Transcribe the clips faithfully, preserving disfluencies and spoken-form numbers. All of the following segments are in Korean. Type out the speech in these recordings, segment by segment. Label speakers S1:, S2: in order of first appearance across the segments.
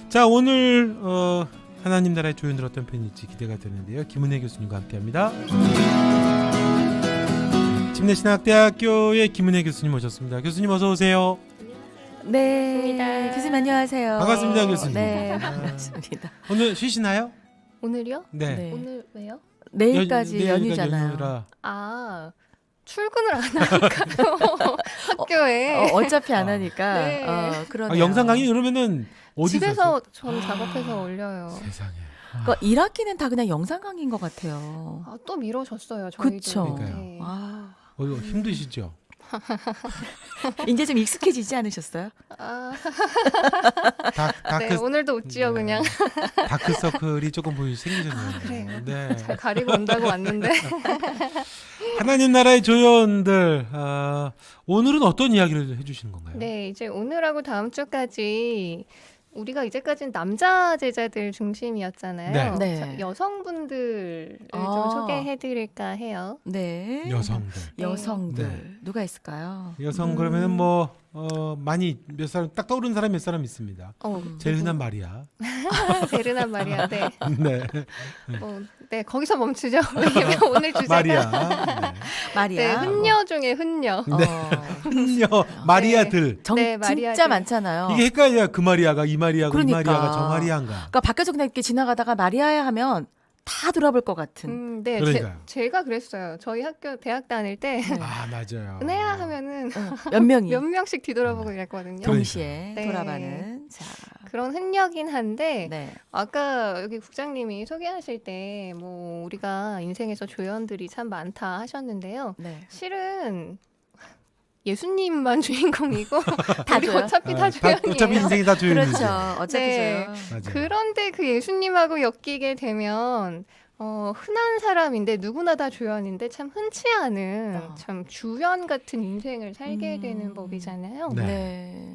S1: 자, 오늘 어, 하나님 나라의 조연들 어떤 편일지 기대가 되는데요. 김은혜 교수님과 함께합니다. 침례신학대학교의 김은혜 교수님 모셨습니다. 교수님 어서 오세요.
S2: 네,
S3: 반갑습니다.
S2: 교수님 안녕하세요.
S1: 반갑습니다, 교수님.
S2: 네,
S1: 아.
S2: 반갑습니다.
S1: 오늘 쉬시나요?
S3: 오늘이요?
S1: 네.
S2: 네.
S3: 오늘 왜요?
S2: 내일까지
S1: 연- 내일까지
S2: 연휴잖아요.
S1: 연휴라.
S3: 아 출근을 안 하니까요. 학교에
S2: 어, 어차피 안 하니까.
S3: 네.
S2: 어, 그러네요.
S1: 아, 영상 강의 그러면은 어디서
S3: 집에서 전 작업해서 올려요.
S1: 세상에.
S2: 그러니까 일 학기는 다 그냥 영상 강의인 것 같아요.
S3: 아, 또 미뤄졌어요. 저희도.
S2: 그쵸.
S1: 그러니까요.
S3: 네.
S2: 아,
S1: 어, 이거 힘드시죠?
S2: 이제 좀 익숙해지지 않으셨어요?
S3: 아,
S1: 다,
S3: 네,
S1: 다크,
S3: 오늘도 웃지요,
S1: 네.
S3: 그냥.
S1: 다크서클이 조금 보이 생기셨네요.
S3: 아, 그래요?
S1: 네.
S3: 잘 가리고 온다고 왔는데.
S1: 하나님 나라의 조연들, 아, 오늘은 어떤 이야기를 해주시는 건가요?
S3: 네, 이제 오늘하고 다음 주까지 우리가 이제까지는 남자 제자들 중심이었잖아요.
S1: 네.
S2: 네.
S3: 자, 여성분들을
S2: 아.
S3: 좀 소개해드릴까 해요.
S2: 네.
S1: 여성들.
S2: 여성들
S1: 네.
S2: 누가 있을까요?
S1: 여성
S3: 음.
S1: 그러면은 뭐 어, 많이 몇 사람 딱 떠오르는 사람이 몇 사람 있습니다.
S3: 어,
S1: 제일 흔한 마리아.
S3: 베르난 마리아. 네.
S1: 네.
S3: 어, 네, 거기서 멈추죠. 왜냐면 오늘 주제가
S1: 마리아.
S3: 네,
S2: 마리아.
S3: 흔녀 중에 흔녀.
S1: 네.
S2: 어,
S1: 흔녀 마리아들.
S2: 정,
S3: 네, 마리아들.
S2: 진짜 많잖아요.
S1: 이게 헷갈려요. 그 마리아가 이 마리아고
S2: 그러니까.
S1: 이 마리아가 저 마리아인가.
S2: 그러니까 밖에서 그냥 이렇게 지나가다가 마리아야 하면 다 돌아볼 것 같은.
S3: 음, 네,
S1: 그러니까요.
S3: 제, 제가 그랬어요. 저희 학교 대학 다닐 때
S2: 네.
S1: 아 맞아요.
S3: 은혜야 하면은
S2: 어, 몇 명이
S3: 몇 명씩 뒤돌아보고 이랬거든요.
S1: 그러니까요.
S2: 동시에
S3: 네.
S2: 돌아가는. 자,
S3: 그런 흔녀긴 한데
S2: 네.
S3: 아까 여기 국장님이 소개하실 때 뭐 우리가 인생에서 조연들이 참 많다 하셨는데요.
S2: 네.
S3: 실은 예수님만 주인공이고
S2: 다
S3: 우리
S2: 줘요?
S3: 어차피 다
S1: 아,
S3: 조연이에요.
S1: 어차피 인생이 다 조연이죠.
S2: 그렇죠. 어차피
S3: 네.
S2: 죠
S1: 맞아요.
S3: 그런데 그 예수님하고 엮이게 되면 어, 흔한 사람인데 누구나 다 조연인데 참 흔치 않은
S2: 어.
S3: 참 주연 같은 인생을 살게
S2: 음.
S3: 되는 법이잖아요.
S1: 네.
S2: 네.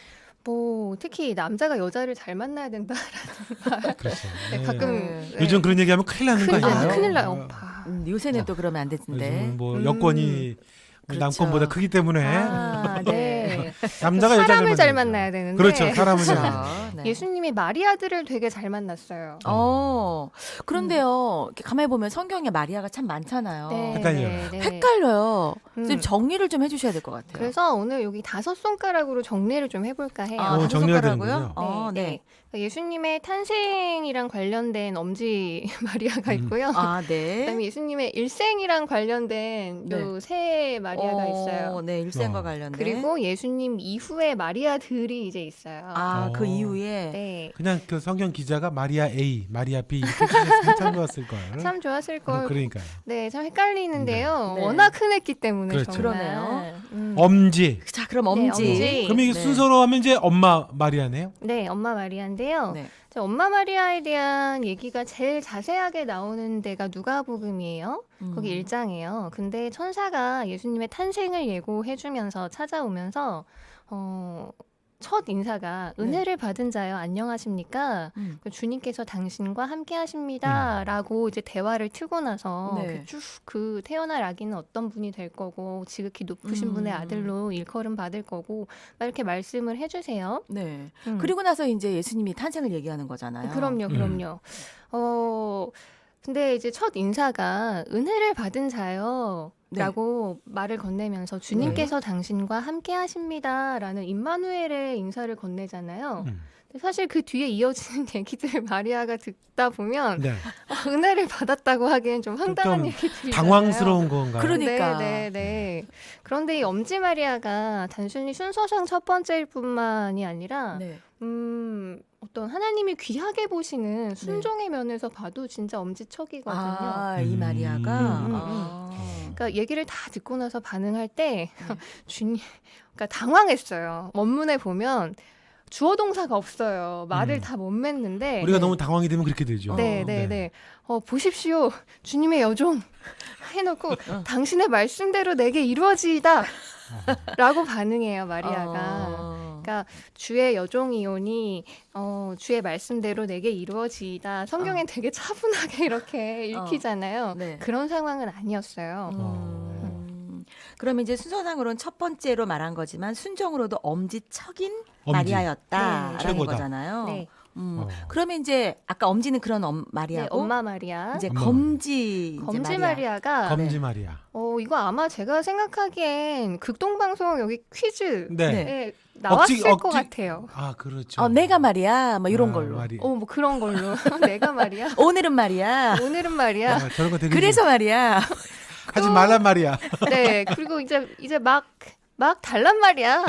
S3: 뭐 특히 남자가 여자를 잘 만나야 된다라는 말
S1: 그렇죠.
S3: 네,
S1: 네.
S3: 가끔
S2: 네.
S3: 네.
S1: 요즘 그런 얘기하면 큰일 나는 거
S3: 큰일,
S1: 아니에요?
S3: 아, 큰일 나요.
S1: 어,
S3: 오빠.
S2: 음, 요새는 또 그러면 안 되는데.
S1: 요즘은 뭐
S3: 음.
S1: 여건이
S2: 그렇죠.
S1: 남권보다 크기 때문에
S3: 아, 네.
S1: 남자가 여자를
S3: 사람을 잘
S1: 만나야죠.
S3: 만나야 되는데
S1: 그렇죠. 사람을 잘
S2: 그렇죠.
S1: 만나야죠.
S2: 네.
S3: 예수님이 마리아들을 되게 잘 만났어요.
S2: 어. 그런데요. 이렇게 가만히 보면 성경에 마리아가 참 많잖아요.
S3: 네,
S1: 헷갈려요.
S3: 네, 네.
S2: 헷갈려요.
S3: 음.
S2: 좀 정리를 좀 해주셔야 될 것 같아요.
S3: 그래서 오늘 여기 다섯 손가락으로 정리를 좀 해볼까 해요.
S2: 아,
S1: 어,
S2: 다섯
S1: 정리가
S2: 손가락으로요?
S1: 되는군요.
S2: 어, 네.
S3: 그러니까 예수님의 탄생이랑 관련된 엄지 마리아가
S1: 음.
S3: 있고요.
S2: 아, 네.
S3: 그다음에 예수님의 일생이랑 관련된
S2: 네.
S3: 요 세 마리아가
S2: 어,
S3: 있어요.
S2: 네, 일생과
S1: 어.
S2: 관련된.
S3: 그리고 예수님 이후에 마리아들이 이제 있어요.
S2: 아,
S1: 어.
S2: 그 이후에.
S3: 네.
S1: 그냥 그 성경 기자가 마리아 A, 마리아 B 이렇게 했으면 참 좋았을 걸.
S3: 참 좋았을 걸.
S1: 그러니까요.
S3: 네, 참 헷갈리는데요.
S2: 네.
S3: 워낙 흔했기 때문에
S1: 그렇죠.
S3: 정말.
S2: 그러네요.
S3: 음.
S1: 엄지.
S2: 자, 그럼
S3: 네,
S2: 엄지.
S3: 엄지.
S1: 그럼 이게
S2: 네.
S1: 순서로 하면 이제 엄마 마리아네요.
S3: 네, 엄마 마리아인데요.
S2: 네.
S3: 자, 엄마 마리아에 대한 얘기가 제일 자세하게 나오는 데가 누가복음이에요.
S2: 음.
S3: 거기 일 장이에요. 근데 천사가 예수님의 탄생을 예고해주면서 찾아오면서 어, 첫 인사가
S2: 네.
S3: 은혜를 받은 자여 안녕하십니까?
S2: 음.
S3: 그 주님께서 당신과 함께 하십니다라고 이제 대화를 트고 나서
S2: 네.
S3: 쭉 그 태어날 아기는 어떤 분이 될 거고 지극히 높으신
S2: 음.
S3: 분의 아들로 일컬음 받을 거고 막 이렇게 말씀을 해주세요.
S2: 네.
S3: 음.
S2: 그리고 나서 이제 예수님이 탄생을 얘기하는 거잖아요.
S3: 그럼요,
S1: 음.
S3: 그럼요. 어, 근데 이제 첫 인사가 은혜를 받은 자요.
S2: 네.
S3: 라고 말을 건네면서 주님께서 당신과 함께 하십니다라는 임마누엘의 인사를 건네잖아요.
S1: 음.
S3: 근데 사실 그 뒤에 이어지는 얘기들 마리아가 듣다 보면
S1: 네.
S3: 어, 은혜를 받았다고 하기엔 좀 황당한
S1: 좀
S3: 얘기들이
S1: 당황스러운 건가요?
S2: 그러니까.
S3: 네, 네, 네. 그런데 이 엄지 마리아가 단순히 순서상 첫 번째일 뿐만이 아니라
S2: 네.
S3: 음, 어떤 하나님이 귀하게 보시는 순종의 면에서 봐도 진짜 엄지척이거든요.
S2: 아, 이
S1: 음.
S2: 마리아가.
S3: 음, 음,
S2: 아.
S3: 그러니까 얘기를 다 듣고 나서 반응할 때
S2: 네.
S3: 주님, 그러니까 당황했어요. 원문에 보면 주어 동사가 없어요. 말을
S1: 음.
S3: 다 못 맺는데.
S1: 우리가
S2: 네.
S1: 너무 당황이 되면 그렇게 되죠.
S3: 네, 네, 네. 어, 보십시오. 주님의 여종 해놓고 당신의 말씀대로 내게 이루어지이다. 라고 반응해요, 마리아가.
S2: 어.
S3: 그러니까 주의 여종이오니 어, 주의 말씀대로 내게 이루어지이다. 성경엔 되게 차분하게 이렇게 읽히잖아요.
S2: 네.
S3: 그런 상황은 아니었어요.
S2: 음. 그러면 이제 순서상으로는 첫 번째로 말한 거지만 순정으로도 엄지척인
S1: 엄지.
S2: 마리아였다라는
S1: 네. 최고다.
S2: 거잖아요.
S3: 네.
S2: 음.
S1: 어.
S2: 그러면 이제 아까 엄지는 그런 엄,
S3: 네,
S2: 마리아고
S3: 엄마 마리아.
S2: 이제
S1: 엄마
S2: 검지 이제
S3: 검지
S2: 마리아.
S3: 마리아가
S1: 검지 마리아.
S3: 어 이거 아마 제가 생각하기엔 극동방송 여기 퀴즈에
S1: 네.
S3: 나왔을
S1: 억지-
S3: 것
S1: 억지-
S3: 같아요.
S1: 아 그렇죠.
S2: 어, 내가 말이야. 뭐 이런
S1: 아,
S2: 걸로.
S1: 마리-
S3: 어 뭐 그런 걸로 내가 말이야.
S2: 오늘은 말이야.
S3: 오늘은 말이야.
S1: 아, 저런 거 되게
S2: 그래서 말이야.
S1: 하지 말란 말이야.
S3: 네 그리고 이제 이제 막 막 달란 말이야.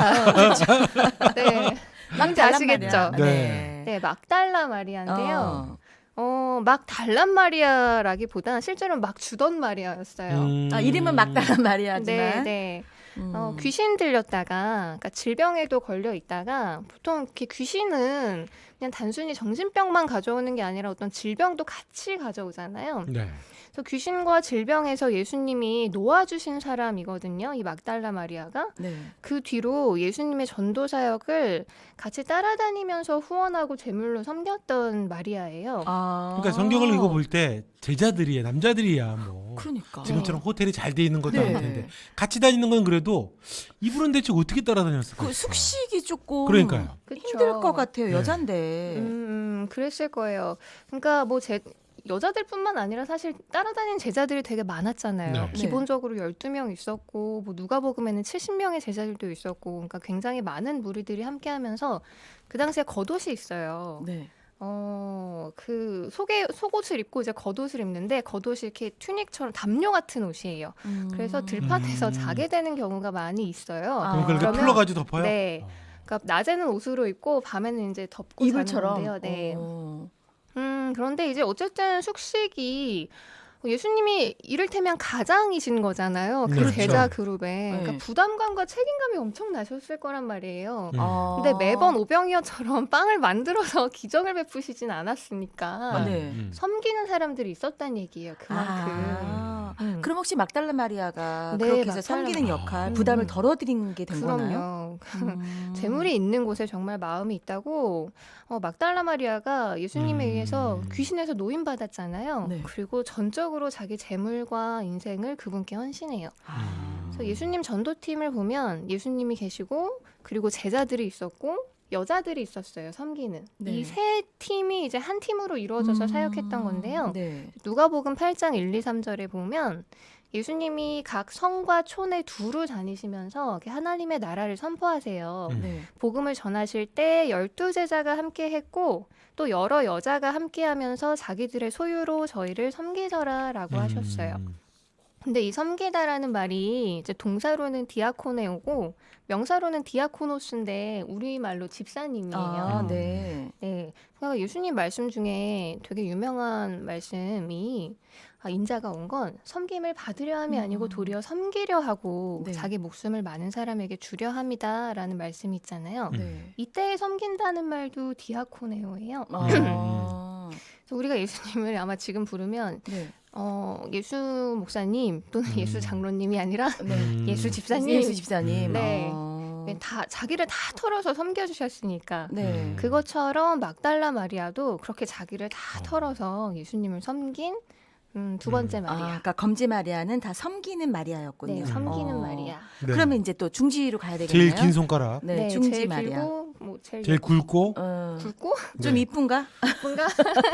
S3: 네.
S2: 막
S3: 뭔지 아시겠죠?
S2: 말이야.
S1: 네.
S2: 네.
S3: 네, 막 달라 마리아인데요.
S2: 어.
S3: 어, 막 달란 마리아라기보다 실제로 막 주던 마리아였어요.
S1: 음.
S2: 아, 이름은 막달란 말이야지만.
S3: 네, 네.
S2: 음.
S3: 어, 귀신 들렸다가, 그러니까 질병에도 걸려 있다가, 보통 이렇게 귀신은 그냥 단순히 정신병만 가져오는 게 아니라 어떤 질병도 같이 가져오잖아요.
S1: 네.
S3: 그래서 귀신과 질병에서 예수님이 놓아주신 사람이거든요. 이 막달라 마리아가.
S2: 네.
S3: 그 뒤로 예수님의 전도 사역을 같이 따라다니면서 후원하고 제물로 섬겼던 마리아예요.
S2: 아.
S1: 그러니까 성경을 읽어볼 때 제자들이야, 남자들이야 뭐.
S2: 그러니까.
S1: 지금처럼 호텔이 잘 돼 있는 것도
S2: 네.
S1: 아닐 텐데 같이 다니는 건 그래도 이분은 대체 어떻게 따라다녔을까?
S2: 그 숙식이 조금
S1: 그러니까요.
S3: 그쵸?
S2: 힘들 것 같아요.
S1: 네.
S2: 여잔데.
S3: 음, 음, 그랬을 거예요. 그러니까 뭐 제, 여자들뿐만 아니라 사실 따라다니는 제자들이 되게 많았잖아요.
S1: 네.
S3: 기본적으로 열두 명 있었고 뭐 누가복음에는 칠십 명의 제자들도 있었고 그러니까 굉장히 많은 무리들이 함께하면서 그 당시에 겉옷이 있어요.
S2: 네.
S3: 어, 그 속에 속옷을 입고 이제 겉옷을 입는데 겉옷이 이렇게 튜닉처럼 담요 같은 옷이에요.
S2: 음.
S3: 그래서 들판에서
S1: 음.
S3: 자게 되는 경우가 많이 있어요.
S2: 아.
S1: 그럼 그렇게
S3: 그러면-
S1: 풀러가지고 덮어요?
S3: 네.
S1: 어.
S3: 그러니까 낮에는 옷으로 입고 밤에는 이제 덮고
S2: 이불처럼.
S3: 자는 건데요. 네.
S2: 어.
S3: 음, 그런데 이제 어쨌든 숙식이 예수님이 이를테면 가장이신 거잖아요. 그
S1: 그렇죠.
S3: 제자 그룹에.
S2: 네.
S3: 그러니까 부담감과 책임감이 엄청 나셨을 거란 말이에요.
S1: 음.
S2: 아.
S3: 근데 매번 오병이어처럼 빵을 만들어서 기적을 베푸시진 않았으니까
S2: 아, 네.
S1: 음.
S3: 섬기는 사람들이 있었다는 얘기예요. 그만큼.
S2: 아.
S3: 음.
S2: 그럼 혹시 막달라 마리아가
S3: 네,
S2: 그렇게 해서
S3: 막달라
S2: 섬기는
S1: 마리아.
S2: 역할,
S3: 음.
S2: 부담을 덜어드린 게 된 거나요?
S3: 그럼요.
S2: 음.
S3: 재물이 있는 곳에 정말 마음이 있다고 어, 막달라 마리아가 예수님에
S1: 음.
S3: 의해서 귀신에서 노인받았잖아요.
S2: 네.
S3: 그리고 전적으로 자기 재물과 인생을 그분께 헌신해요.
S2: 아.
S3: 그래서 예수님 전도팀을 보면 예수님이 계시고 그리고 제자들이 있었고 여자들이 있었어요. 섬기는.
S2: 네.
S3: 이 세 팀이 이제 한 팀으로 이루어져서
S2: 음.
S3: 사역했던 건데요.
S2: 네.
S3: 누가복음 팔 장 일, 이, 삼 절에 보면 예수님이 각 성과 촌에 두루 다니시면서 이렇게 하나님의 나라를 선포하세요.
S1: 음.
S2: 네.
S3: 복음을 전하실 때 열두 제자가 함께 했고 또 여러 여자가 함께 하면서 자기들의 소유로 저희를 섬기더라라고 하셨어요.
S1: 음.
S3: 근데 이 섬기다라는 말이 이제 동사로는 디아코네오고 명사로는 디아코노스인데 우리말로 집사님이에요.
S2: 아,
S1: 음.
S2: 네.
S3: 네. 그러니까 예수님 말씀 중에 되게 유명한 말씀이 아, 인자가 온 건 섬김을 받으려 함이 아니고
S2: 음.
S3: 도리어 섬기려 하고
S2: 네.
S3: 자기 목숨을 많은 사람에게 주려 함이다라는 말씀이 있잖아요.
S1: 음.
S2: 네.
S3: 이때에 섬긴다는 말도 디아코네오예요.
S2: 아.
S3: 그래서 우리가 예수님을 아마 지금 부르면
S2: 네.
S3: 어, 예수 목사님 또는
S1: 음.
S3: 예수 장로님이 아니라
S2: 네.
S1: 음.
S3: 예수 집사님
S2: 예수 집사님.
S3: 네.
S2: 어.
S3: 네, 다 자기를 다 털어서 섬겨주셨으니까
S2: 네.
S1: 음.
S3: 그것처럼 막달라 마리아도 그렇게 자기를 다
S1: 어.
S3: 털어서 예수님을 섬긴 음, 두 번째
S1: 음.
S2: 아,
S3: 마리아.
S2: 그러니까 검지 마리아는 다 섬기는 마리아였군요.
S3: 네, 섬기는
S2: 어.
S3: 마리아.
S1: 네.
S2: 그러면 이제 또 중지로 가야 되겠네요.
S1: 제일 긴 손가락,
S2: 네,
S3: 네,
S2: 중지
S3: 제일
S2: 마리아.
S3: 길고 뭐 제일,
S1: 제일 굵고,
S2: 어.
S3: 굵고
S2: 좀
S1: 네.
S2: 이쁜가?
S3: 뭔가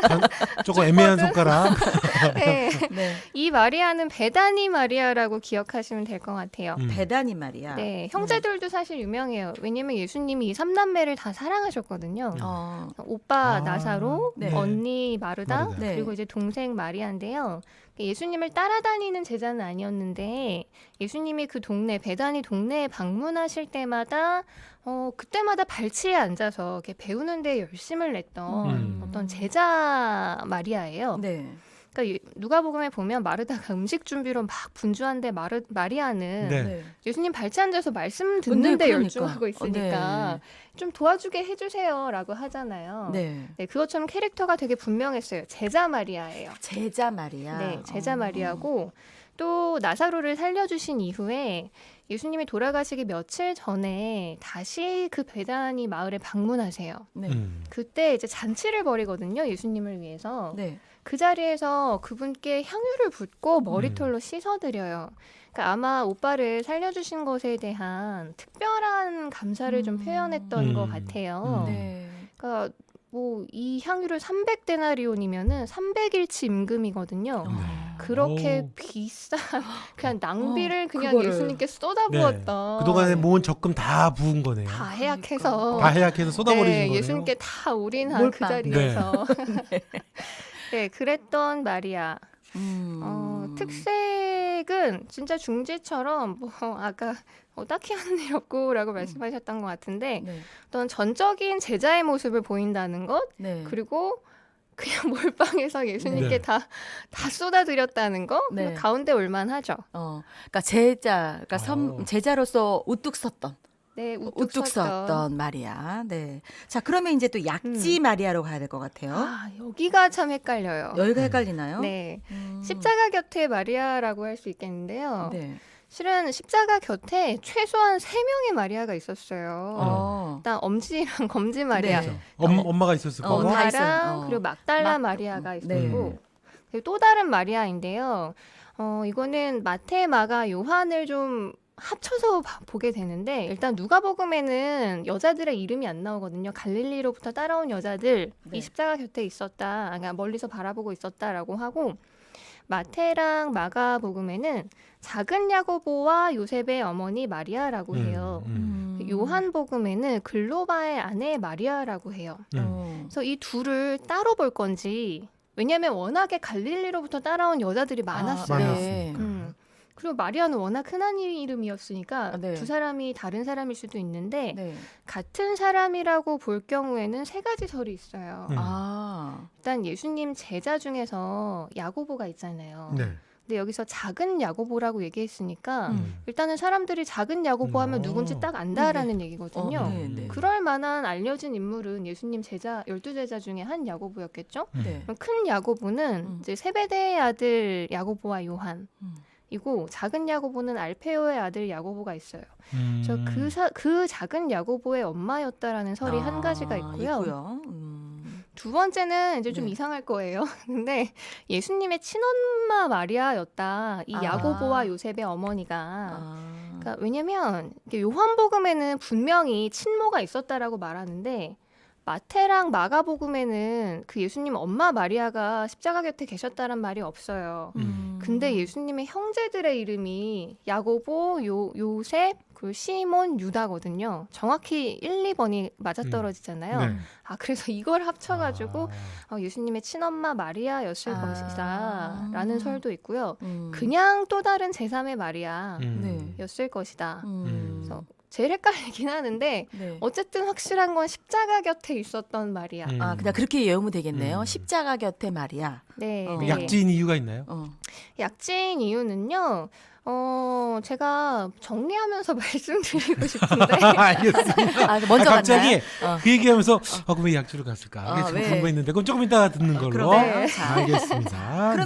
S1: 조금 애매한 손가락.
S3: 네.
S2: 네.
S3: 이 마리아는 베다니 마리아라고 기억하시면 될 것 같아요.
S1: 음.
S2: 배다니 마리아.
S3: 네, 형제들도 사실 유명해요. 왜냐면 예수님이 이 삼남매를 다 사랑하셨거든요.
S2: 어.
S3: 오빠
S1: 아,
S3: 나사로,
S2: 네.
S3: 언니 마르다,
S1: 마르다.
S2: 네.
S3: 그리고 이제 동생 마리아인데요. 예수님을 따라다니는 제자는 아니었는데 예수님이 그 동네 베다니 동네에 방문하실 때마다 어 그때마다 발치에 앉아서 이렇게 배우는 데 열심을 냈던
S1: 음.
S3: 어떤 제자 마리아예요.
S2: 네.
S3: 그러니까 이- 누가복음에 보면 마르다가 음식 준비로 막 분주한데 마르 마리아는
S1: 네.
S2: 네.
S3: 예수님 발치 앉아서 말씀 듣는데
S2: 네, 그러니까.
S3: 열중하고 있으니까 좀 도와주게 해주세요라고 하잖아요.
S2: 네.
S3: 네, 그것처럼 캐릭터가 되게 분명했어요. 제자 마리아예요.
S2: 제자 마리아.
S3: 네, 제자
S2: 어.
S3: 마리아고 또 나사로를 살려주신 이후에 예수님이 돌아가시기 며칠 전에 다시 그 베다니 마을에 방문하세요.
S2: 네.
S1: 음.
S3: 그때 이제 잔치를 벌이거든요. 예수님을 위해서.
S2: 네.
S3: 그 자리에서 그분께 향유를 붓고 머리털로 씻어드려요. 그러니까 아마 오빠를 살려주신 것에 대한 특별한 감사를 좀
S2: 음.
S3: 표현했던 것
S1: 음.
S3: 같아요.
S1: 음.
S2: 네.
S3: 그러니까 뭐 이 향유를 삼백 데나리온이면은 삼백 일치 임금이거든요.
S1: 네.
S3: 그렇게
S1: 오.
S3: 비싼 그냥 낭비를
S2: 어,
S3: 그냥
S2: 그거를.
S3: 예수님께 쏟아부었던
S1: 그동안에 모은 적금 다 부은 거네요.
S3: 다 해약해서
S1: 다 해약해서 쏟아버리신
S3: 네,
S1: 거네요.
S3: 예수님께 다 올인한 그
S2: 몰빵.
S3: 자리에서 네, 그랬던 마리아.
S2: 음.
S3: 어, 특색은 진짜 중지처럼 뭐 아까 어, 딱히 하는 일 없고라고 말씀하셨던 것 같은데
S2: 네.
S3: 어떤 전적인 제자의 모습을 보인다는 것
S2: 네.
S3: 그리고 그냥 몰빵해서 예수님께
S1: 네.
S3: 다, 다 쏟아드렸다는 거
S2: 네.
S3: 가운데 올만하죠.
S2: 어, 그러니까 제자, 그러니까 선,
S1: 어.
S2: 제자로서 우뚝 섰던,
S3: 네, 우뚝,
S2: 우뚝
S3: 섰던.
S2: 섰던 마리아. 네. 자, 그러면 이제 또 약지 마리아로 가야 될 것 같아요.
S3: 아, 여기가 참 헷갈려요.
S2: 여기가 헷갈리나요?
S3: 네,
S2: 음.
S3: 십자가 곁에 마리아라고 할 수 있겠는데요.
S2: 네.
S3: 실은 십자가 곁에 최소한 세 명의 마리아가 있었어요.
S2: 어.
S3: 일단 엄지랑 검지 마리아,
S2: 네.
S1: 그렇죠. 엄, 엄마가 있었을
S2: 어,
S1: 거고.
S2: 다 있어요.
S3: 엄마랑
S2: 어.
S3: 그리고 막달라
S2: 막-
S3: 마리아가
S2: 네.
S3: 있었고 그리고 또 다른 마리아인데요. 어, 이거는 마태, 마가, 요한을 좀 합쳐서 봐- 보게 되는데 일단 누가복음에는 여자들의 이름이 안 나오거든요. 갈릴리로부터 따라온 여자들
S2: 네.
S3: 이 십자가 곁에 있었다. 그러니까 멀리서 바라보고 있었다라고 하고 마태랑 마가복음에는 작은 야고보와 요셉의 어머니 마리아라고 해요.
S1: 음,
S2: 음.
S3: 요한복음에는 글로바의 아내 마리아라고 해요.
S1: 음.
S2: 어.
S3: 그래서 이 둘을 따로 볼 건지 왜냐하면 워낙에 갈릴리로부터 따라온 여자들이 많았어요.
S2: 아,
S1: 많았으니까.
S3: 음. 그리고 마리아는 워낙 흔한 이름이었으니까
S2: 아, 네.
S3: 두 사람이 다른 사람일 수도 있는데
S2: 네.
S3: 같은 사람이라고 볼 경우에는 세 가지 설이 있어요.
S1: 음.
S2: 아.
S3: 일단 예수님 제자 중에서 야고보가 있잖아요.
S1: 네.
S3: 근데 여기서 작은 야고보라고 얘기했으니까
S1: 음.
S3: 일단은 사람들이 작은 야고보 하면
S1: 음.
S3: 누군지 딱 안다라는 얘기거든요.
S2: 어, 네, 네.
S3: 그럴 만한 알려진 인물은 예수님 제자 열두 제자 중에 한 야고보였겠죠.
S1: 음.
S2: 네.
S3: 그럼 큰 야고보는
S2: 음.
S3: 이제 세베대의 아들 야고보와 요한.
S2: 음.
S3: 이고 작은 야고보는 알페오의 아들 야고보가 있어요.
S1: 음.
S3: 저 그 그 작은 야고보의 엄마였다라는 설이 한 가지가
S2: 아,
S3: 있고요.
S2: 있고요. 음.
S3: 두 번째는 이제 좀
S2: 네.
S3: 이상할 거예요. 근데 예수님의 친엄마 마리아였다. 이
S2: 아.
S3: 야고보와 요셉의 어머니가.
S2: 아.
S3: 그러니까 왜냐면 이게 요한복음에는 분명히 친모가 있었다라고 말하는데 마태랑 마가복음에는 그 예수님 엄마 마리아가 십자가 곁에 계셨다는 말이 없어요.
S2: 음.
S3: 근데 예수님의 형제들의 이름이 야고보, 요, 요셉, 그리고 시몬, 유다거든요. 정확히 일, 이 번이 맞아떨어지잖아요.
S1: 네.
S3: 아 그래서 이걸 합쳐가지고
S1: 아.
S3: 어, 예수님의 친엄마 마리아였을
S2: 아.
S3: 것이다 라는 설도 있고요.
S2: 음.
S3: 그냥 또 다른 제삼의 마리아였을
S1: 음.
S2: 네.
S3: 것이다.
S2: 음.
S3: 그래서 제일 헷갈리긴 하는데
S2: 네.
S3: 어쨌든 확실한 건 십자가 곁에 있었던 마리아.
S1: 음.
S2: 아, 그냥 그렇게 외우면 되겠네요.
S1: 음.
S2: 십자가 곁에 마리아.
S3: 네,
S2: 어.
S3: 네.
S1: 약지인 이유가 있나요?
S2: 어.
S3: 약지인 이유는요. 어, 제가 정리하면서 말씀드리고 싶은데
S1: 알겠습니다.
S2: 아, 먼저
S1: 아, 갑자기
S2: 갔나요? 어.
S1: 그 얘기하면서 아, 그럼 왜 약주를 갔을까?
S2: 어,
S1: 이게 좀
S2: 왜?
S1: 궁금했는데 그건 조금 이따가 듣는 걸로.
S2: 그러네요. 자.
S1: 알겠습니다.